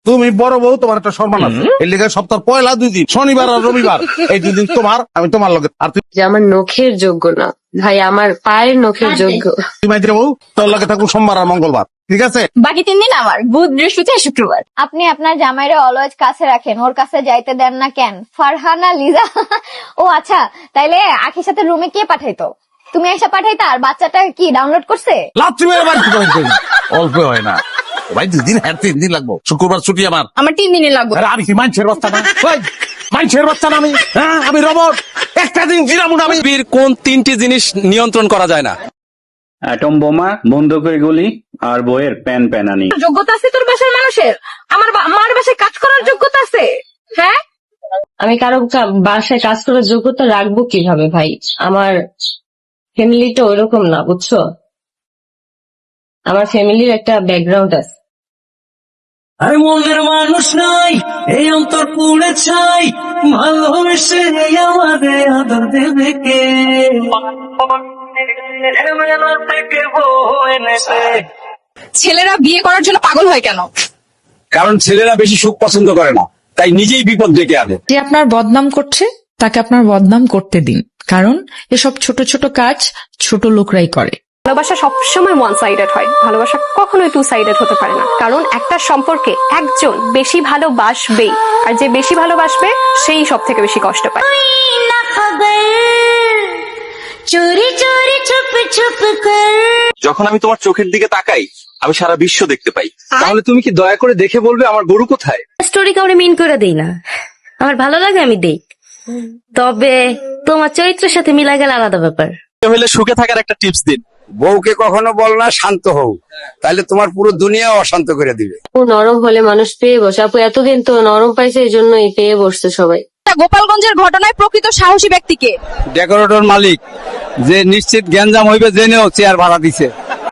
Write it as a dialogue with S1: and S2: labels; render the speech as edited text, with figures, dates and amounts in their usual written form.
S1: তুমি বড় বউ, তোমার একটা সম্মান আছে। এর লেগে সপ্তাহ পয়লা 2 দিন, শনিবার আর রবিবার, এই 2 দিন তোমার, আমি তোমার লগে। আর
S2: যে আমার নখের যোগ্য না ভাই, আমার পায়ের নখের যোগ্য।
S1: তুই মাইতে বউ, তোর লগে থাকবো সোমবার আর মঙ্গলবার, ঠিক আছে?
S3: বাকি 3 দিন আমার, বুধ বৃহস্পতি আর শুক্রবার। আপনি আপনার জামাইরে অলওয়েজ কাছে রাখেন, ওর কাছে যাইতে দেন না কেন? ফারহানা লিজা। ও আচ্ছা, তাইলে আখির সাথে রুমে কে পাঠাইতো? তুমি এসে পাঠাইতা? আর বাচ্চাটা কি ডাউনলোড করছে?
S1: লাচ্ছি মেরে বাড়ি থেকে বের করি। অল্প হয় না ভাই, 2 দিন, হ্যাঁ 3 দিন লাগবো। শুক্রবার ছুটি আমার।
S3: আমার 3 দিনই লাগবে।
S1: আরে আমি কি মানুষের বাচ্চা না? ওই, মানুষের বাচ্চা না আমি? হ্যাঁ, আমি রবট। একটা দিন জিরাবো না আমি।
S4: পৃথিবীর কোন 3টি জিনিস নিয়ন্ত্রণ করা যায় না?
S5: অ্যাটম বোমা, বন্দুকের গুলি, আর বইয়ের প্যান প্যানানি।
S3: যোগ্যতা আছে তোর বাসার মানুষের? আমার মার বাসায় কাজ করার যোগ্যতা আছে? হ্যাঁ,
S2: আমি কারো বাসায় কাজ করার যোগ্যতা রাখবো কিভাবে ভাই? আমার ফ্যামিলিটা ওইরকম না, বুঝছো? আমার ফ্যামিলির একটা ব্যাকগ্রাউন্ড আছে।
S6: আর মনের মানুষ নাই, এই অন্তর পুড়ে ছাই, ভালোবেসে আমাদের আদর দেবে কে? থেকে বউ এনেছে।
S3: ছেলেরা বিয়ে করার জন্য পাগল হয় কেন?
S4: কারণ ছেলেরা বেশি সুখ পছন্দ করে না, তাই নিজেই বিপদ ডেকে আনে।
S7: যে আপনার বদনাম করছে তাকে আপনার বদনাম করতে দিন, কারণ এসব ছোট ছোট কাজ ছোট লোকরাই করে।
S8: ভালোবাসা সবসময় ওয়ান সাইডেড হয়, ভালোবাসা কখনোই 2 সাইডেড হতে পারে না। কারণ একটা সম্পর্কে একজন বেশি ভালোবাসবেই, আর যে বেশি ভালোবাসবে সেই সব থেকে বেশি কষ্ট পায়।
S4: যখন আমি তোমার চোখের দিকে তাকাই, আমি সারা বিশ্ব দেখতে পাই। তাহলে তুমি কি দয়া করে দেখে বলবে আমার গরু কোথায়?
S9: স্টোরি কাউরে মিন করে দেই না, আমার ভালো লাগে আমি দেই, তবে তোমার চরিত্রের সাথে মিলা গেলে আলাদা ব্যাপার।
S4: হলে সুখে থাকার একটা টিপস দিন।
S10: বউকে কখনো বল না শান্ত হও, তাহলে তোমার পুরো দুনিয়া অশান্ত করে দিবে।
S2: ও নরম হলে মানুষ পেয়ে বসে। আপু এতদিন তো নরম পাইছে, এই জন্যই পেয়ে বসছে সবাই।
S3: গোপালগঞ্জের ঘটনায় প্রকৃত সাহসী ব্যক্তিকে?
S10: ডেকোরেটর মালিক, যে নিশ্চিত গ্যাঞ্জাম হইবে জেনেও চেয়ার ভাড়া দিছে।